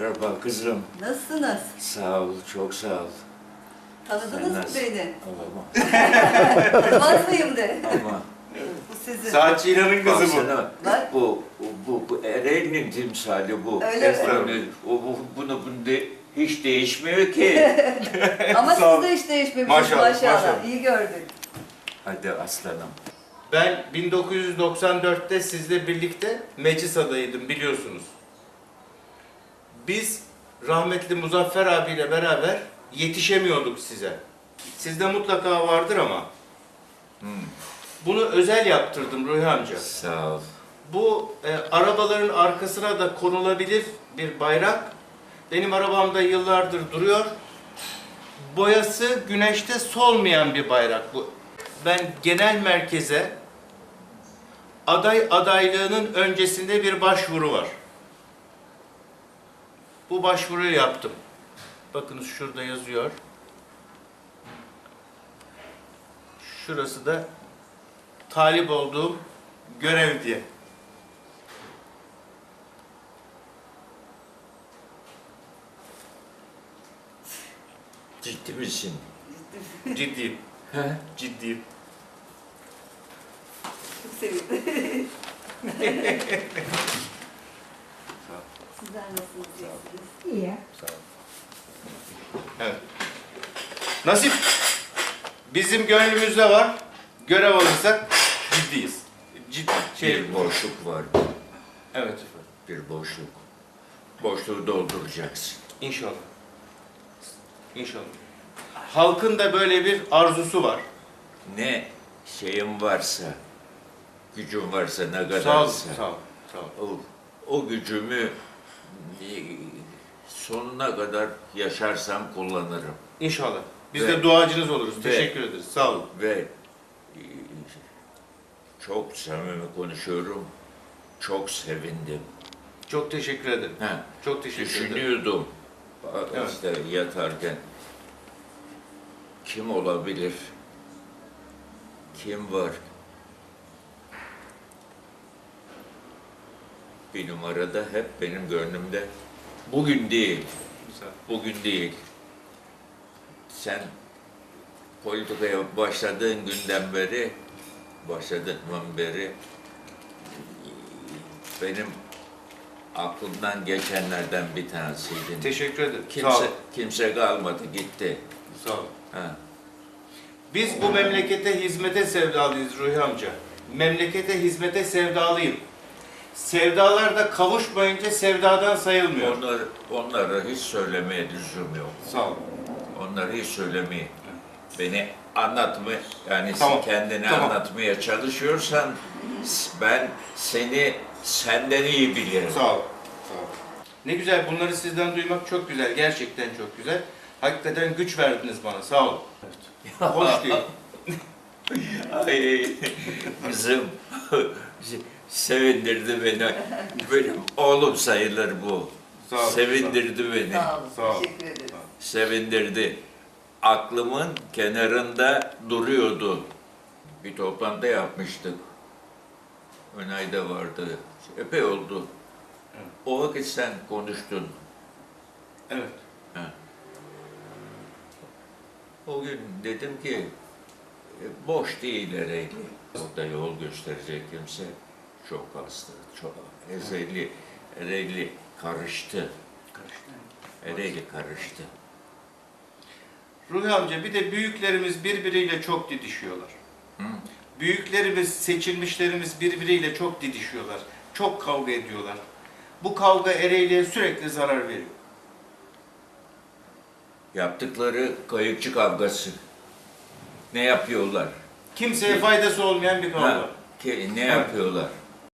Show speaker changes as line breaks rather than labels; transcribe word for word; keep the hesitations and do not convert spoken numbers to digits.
Merhaba kızım.
Nasılsınız?
Sağ ol, çok sağ ol.
Tanıdınız mı
nasıl-
beni?
Ama,
Tanımaz mıyım de?
ama
Bu sizin.
Saatçi İlhan'ın kızı bu.
baksana,
Bak.
bu, bu, bu Eren'in timsali bu.
Öyle mi?
Yani o, bu, bunu, bunu de, hiç değişmiyor ki.
Ama
Sağ ol.
siz de hiç değişmemişsiniz
Maşallah,
maşallah.
maşallah.
İyi gördük.
Hadi aslanım.
Ben bin dokuz yüz doksan dörtte sizle birlikte meclis adayıydım biliyorsunuz. Biz rahmetli Muzaffer abiyle beraber yetişemiyorduk size. Sizde mutlaka vardır ama.
Hmm,
Bunu özel yaptırdım Ruhi amca.
sağ ol.
Bu e, arabaların arkasına da konulabilir bir bayrak. Benim arabamda yıllardır duruyor. Boyası güneşte solmayan bir bayrak bu. Ben genel merkeze aday adaylığının öncesinde bir başvuru var. Bu başvuruyu yaptım. Bakınız şurada yazıyor. Şurası da talip olduğum görev diye.
Ciddi misin?
Ciddiyim.
He?
Ciddiyim.
Çok sevindim. Sizler nasılsınız? iyisiniz?
İyi.
Sağ ol. Evet. Nasip bizim gönlümüzde var. Görev alırsak ciddiyiz. Ciddi şey.
Bir boşluk var.
Evet efendim.
Bir boşluk. Boşluğu dolduracaksın.
İnşallah. İnşallah. Halkın da böyle bir arzusu var.
Ne şeyin varsa, gücün varsa, ne kadarsa.
Sağ ol. Sağ ol. Sağ ol.
O, o gücümü e, sonuna kadar yaşarsam kullanırım.
İnşallah. Biz
Ve-
de duacınız oluruz.
ve-
Teşekkür ederiz. Sağ olun.
Ve e, çok samimi konuşuyorum, çok sevindim.
Çok teşekkür ederim.
Ha,
Çok teşekkür ederim.
düşünüyordum
Evet.
işte yatarken, kim olabilir, kim var? Bir numarada hep benim gönlümde. Bugün değil,
Güzel.
bugün değil. Sen politikaya başladığın günden beri, başladığından beri benim aklımdan geçenlerden bir tanesiydin.
Teşekkür ederim. Sağ
Kimse,
olun.
kimse kalmadı, gitti.
Sağ olun.
Ha.
Biz bu memlekete hizmete sevdalıyız Ruhi amca. Memlekete hizmete sevdalıyım. Sevdalar da kavuşmayınca sevdadan sayılmıyor.
Onlar, onlara hiç söylemeye lüzum yok.
Sağ olun.
Onları hiç söylemeye. Beni anlatma, yani
Tamam,
kendini
tamam.
anlatmaya çalışıyorsan ben seni senden iyi bilirim.
Sağ ol. Sağ ol. Ne güzel, bunları sizden duymak çok güzel. Gerçekten çok güzel. Hakikaten güç verdiniz bana. Sağ olun. Hoş değil.
Ay kızım sevindirdi beni. Benim oğlum sayılır bu.
Sağ olun.
Sevindirdi beni.
Sağ olun.
Sağ ol.
Teşekkür ederiz.
Sevindirdi. Aklımın kenarında duruyordu. Bir toplantı yapmıştık. Önay'da vardı. Epey oldu.
Evet.
O vakit sen konuştun.
Evet.
Ha. O gün dedim ki e, boş değil Ereğli. Orada yol gösterecek kimse çok azdı. Çok. Ereğli, Ereğli karıştı. Ereğli karıştı.
Ruhi amca, bir de büyüklerimiz birbiriyle çok didişiyorlar.
Hı?
Büyüklerimiz, seçilmişlerimiz birbiriyle çok didişiyorlar. Çok kavga ediyorlar. Bu kavga Ereğli'ye sürekli zarar veriyor.
Yaptıkları kayıkçı kavgası. Ne yapıyorlar?
Kimseye faydası olmayan bir kavga.
Ha, ki, ne yapıyorlar?